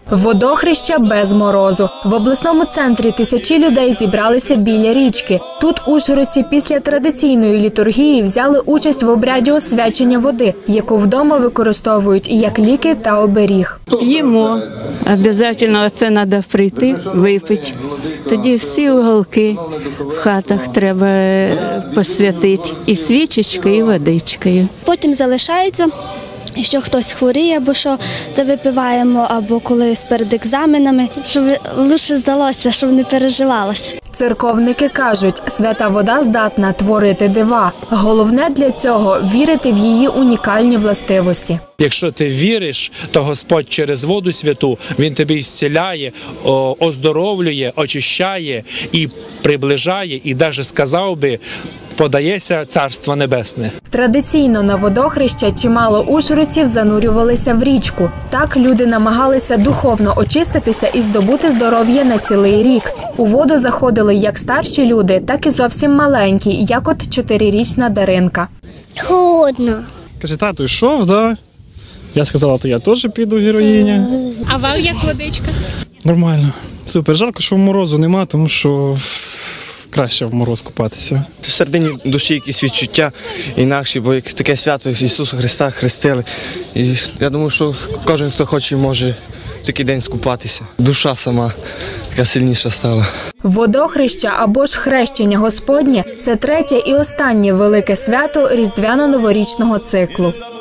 Водохреща без морозу. В обласному центрі тисячі людей зібралися біля річки. Тут ужгородці після традиційної літургії взяли участь в обряді освячення води, яку вдома використовують як ліки та оберіг. П'ємо, обов'язково це треба прийти, випити. Тоді всі уголки в хатах треба посвятити і свічечкою, і водичкою. Потім залишається, що хтось хворіє, або що то випиваємо, або коли перед екзаменами, щоб краще здалося, щоб не переживалося. Церковники кажуть, свята вода здатна творити дива. Головне для цього – вірити в її унікальні властивості. Якщо ти віриш, то Господь через воду святу, Він тебе зціляє, оздоровлює, очищає і приближає, і навіть сказав би, подається Царство Небесне. Традиційно на водохреща чимало ужгородців занурювалися в річку. Так люди намагалися духовно очиститися і здобути здоров'я на цілий рік. У воду заходили як старші люди, так і зовсім маленькі, як от 4-річна Даринка. Холодно. Каже, тато йшов, да? Я сказала, то я теж піду, героїня. А вам як водичка? Нормально. Супер. Жалко, що морозу нема, тому що краще в мороз купатися. В середині душі якісь відчуття інакші, бо як таке свято Ісуса Христа хрестили. І я думаю, що кожен, хто хоче, може в такий день скупатися. Душа сама така сильніша стала. Водохреща або ж хрещення Господнє – це третє і останнє велике свято різдвяно-новорічного циклу.